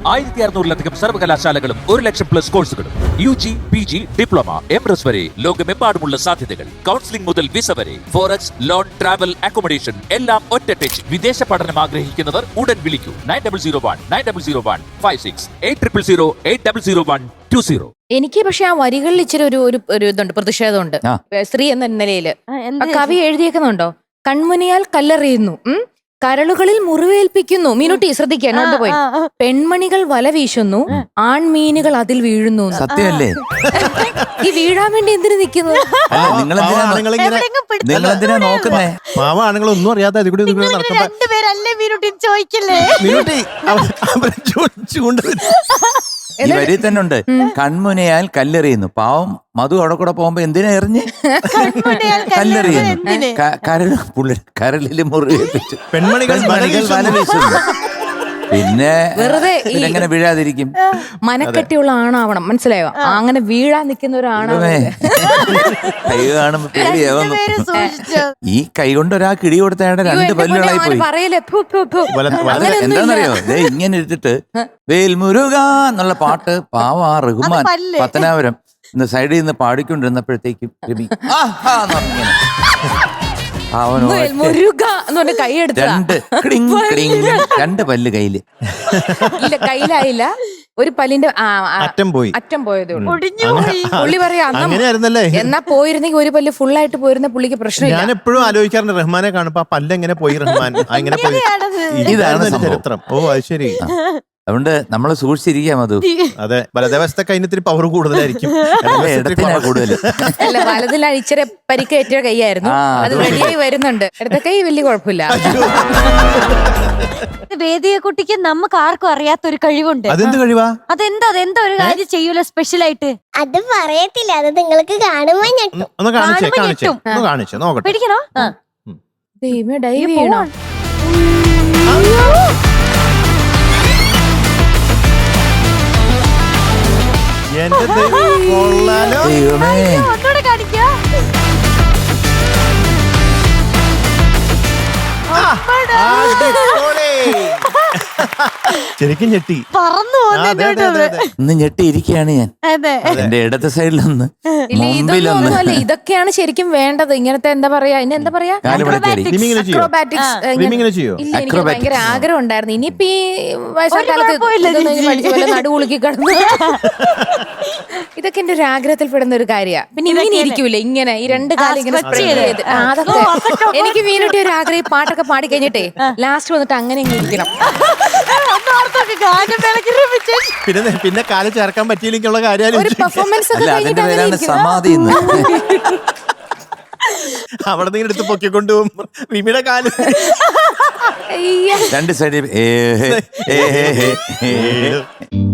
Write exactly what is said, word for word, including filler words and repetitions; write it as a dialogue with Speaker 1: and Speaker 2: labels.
Speaker 1: ആയിരത്തി അറുന്നൂറിലധികം സർവകലാശാലകളും ഒരു ലക്ഷം പ്ലസ് കോഴ്സുകളും U G P G diploma M S വരെ ലോകമെമ്പാടുമുള്ള സാധ്യതകൾ. കൗൺസിലിംഗ് മുതൽ വിസ വരെ, ഫോറക്സ്, ലോൺ, ട്രാവൽ, അക്കോമഡേഷൻ എല്ലാം ഒറ്റ ടച്ച്. വിദേശ പഠനം ആഗ്രഹിക്കുന്നവർ ഉടൻ വിളിക്കൂ nine double zero one nine double zero one five six eight triple zero eight double zero one two zero.
Speaker 2: എനിക്ക് പക്ഷെ ആ വരികളിൽ ഇച്ചിരി ഒരു ഒരു ഒരു ഇതുണ്ട്, പ്രതിഷേധമുണ്ട്. സ്ത്രീ എന്ന നിലയില് കവി എഴുതിയേക്കുന്നുണ്ടോ? കൺമുനിയാൽ കല്ലെറിയുന്നു, ഉം കരളുകളിൽ മുറിവേൽപ്പിക്കുന്നു. മീനുട്ടി ശ്രദ്ധിക്കുക, നോട്ട് പോയി. പെൺമണികൾ വല വീശുന്നു, ആൺമീനുകൾ അതിൽ വീഴുന്നു.
Speaker 3: സത്യമല്ലേ?
Speaker 2: ഈ വീഴാൻ വേണ്ടി എന്തിനു നിൽക്കുന്നു?
Speaker 3: നിങ്ങളെന്തിനാ നോക്കുന്നേ?
Speaker 4: മാവ ആണുങ്ങളൊന്നും അറിയാതെ
Speaker 3: ഈ വരി തന്നെ ഉണ്ട്, കൺമുനയാൽ കല്ലെറിയുന്നു. പാവം മധു അവിടെ കൂടെ പോകുമ്പോ എന്തിനാ എറിഞ്ഞ് കല്ലെറിയുന്നു? കരൾ പുള്ളി കരളില് മുറിവേൽപ്പിച്ചു.
Speaker 4: പെൺമണികൾ
Speaker 3: വല വീശുന്നു. പിന്നെ
Speaker 2: വെറുതെ
Speaker 3: എങ്ങനെ വീഴാതിരിക്കും?
Speaker 2: മനക്കെട്ടിയുള്ള ആണാവണം, മനസ്സിലായോ? അങ്ങനെ വീഴാൻ നിൽക്കുന്ന ഒരു ആണാവണം.
Speaker 3: കൈ കാണുമ്പോ പേടിയാവുന്നു. ഈ കൈ കൊണ്ട് ഒരാൾ കിടി കൊടുത്തയാടെ രണ്ട് പല്ലുകളായി പോയി. എന്താന്നറിയോ? ഇങ്ങനെ എടുത്തിട്ട് വേൽമുരുക എന്നുള്ള പാട്ട് പാവ റഹ്മാൻ പത്തനാപുരം ഇന്ന് സൈഡിൽ നിന്ന് പാടിക്കൊണ്ടിരുന്നപ്പോഴത്തേക്കും രവി രണ്ട് രണ്ട് പല്ല് കയ്യില്
Speaker 2: ഇല്ല, കയ്യിലായില്ല. ഒരു പല്ലിന്റെ
Speaker 4: അറ്റം പോയി
Speaker 2: അറ്റം പോയതേ ഉള്ളൂ. പുള്ളി പറയാ
Speaker 4: അങ്ങനെയായിരുന്നല്ലേ?
Speaker 2: എന്നാ പോയിരുന്നെങ്കിൽ ഒരു പല്ല് ഫുൾ ആയിട്ട് പോയിരുന്ന പുള്ളിക്ക് പ്രശ്നമില്ല.
Speaker 4: ഞാൻ എപ്പോഴും ആലോചിക്കാറുണ്ട് റഹ്മാനെ കാണുമ്പോ ആ പല്ല് എങ്ങനെ പോയി റഹ്മാൻ, അങ്ങനെ പോയി. ഇതാണ് ചരിത്രം. ഓ അത് ശരി.
Speaker 3: അതുകൊണ്ട് നമ്മള് സൂക്ഷിച്ചിരിക്കാം മധു.
Speaker 4: അതെ, വലതുവശത്തെ കൈനത്തിന് പവർ കൂടുതലായിരിക്കും,
Speaker 3: ഇടത്തിനാ കൂടുതൽ.
Speaker 2: അല്ല, വലതിൽ ഇച്ചിരി പരിക്കേറ്റ കൈയായിരുന്നു, അത് റെഡിയായി വരുന്നുണ്ട്. ഇടത്തെ കൈ വലിയ കുഴപ്പമില്ല.
Speaker 5: വേദിയെ കുട്ടിക്ക് നമുക്ക് ആർക്കും അറിയാത്തൊരു കഴിവുണ്ട്.
Speaker 4: അതെന്ത് കഴിവാ?
Speaker 5: അതെന്താ അതെന്താ ഒരു കാര്യം ചെയ്യൂല സ്പെഷ്യൽ ആയിട്ട്?
Speaker 6: അത് പറയത്തില്ല, അത് നിങ്ങൾക്ക് കാണുമ്പോ ഞെട്ടും.
Speaker 4: ഒന്ന് കാണിച്ചേ കാണിച്ചേ ഒന്ന് കാണിച്ചേ നോക്കട്ടെ.
Speaker 5: പിടിക്കണോ?
Speaker 2: ദൈവമേ, ഡൈവ് ചെയ്യണോ?
Speaker 4: എന്റെ ദൈവം, കൊള്ളാലോ.
Speaker 5: ഒന്നുകൂടെ കാണിക്കാ.
Speaker 4: ശരിക്കും ഞെട്ടി,
Speaker 5: പറന്നു
Speaker 3: ഇന്ന് ഞെട്ടിയിരിക്കുകയാണ് ഞാൻ. എന്റെ ഇടത്തെ സൈഡിലൊന്ന്, മുമ്പിലൊന്ന്.
Speaker 2: അല്ല, ഇതൊക്കെയാണ് ശരിക്കും വേണ്ടത്. ഇങ്ങനത്തെ എന്താ പറയാ, ഇനി എന്താ പറയാ, അക്രോബാറ്റിക്സ്. ഇല്ല, എനിക്ക് ഭയങ്കര ആഗ്രഹം ഉണ്ടായിരുന്നു. ഇനിയിപ്പോ ഈ വയസ്സാകാലത്ത് നടുവുളുക്കി കിടന്നു. ഇതൊക്കെ എന്റെ ഒരു ആഗ്രഹത്തിൽ പെടുന്ന ഒരു കാര്യമാണ്. പിന്നെ ഇങ്ങനെ ഇരിക്കൂലേ, ഇങ്ങനെ ഈ രണ്ട് കാലം ഇങ്ങനെ സ്പ്രെഡ് ചെയ്ത്, അതൊക്കെ എനിക്ക് വീണിട്ട് ഒരു ആഗ്രഹം. ഈ പാട്ടൊക്കെ പാടി കഴിഞ്ഞിട്ടേ ലാസ്റ്റ് വന്നിട്ട് അങ്ങനെ ഇങ്ങനെ ഇരിക്കണം.
Speaker 4: പിന്നെ പിന്നെ കാല് ചേർക്കാൻ പറ്റിയില്ലെങ്കിലുള്ള കാര്യം
Speaker 2: ഒരു പെർഫോമൻസ് ഒക്കെ കഴിഞ്ഞിട്ട് അങ്ങനെ ഇരിക്കണം.
Speaker 3: സമാധി
Speaker 4: അവിടെ നിന്ന് എടുത്ത് പൊക്കിക്കൊണ്ട് പോകും റിമിയുടെ കാല്
Speaker 3: രണ്ട് സൈഡിൽ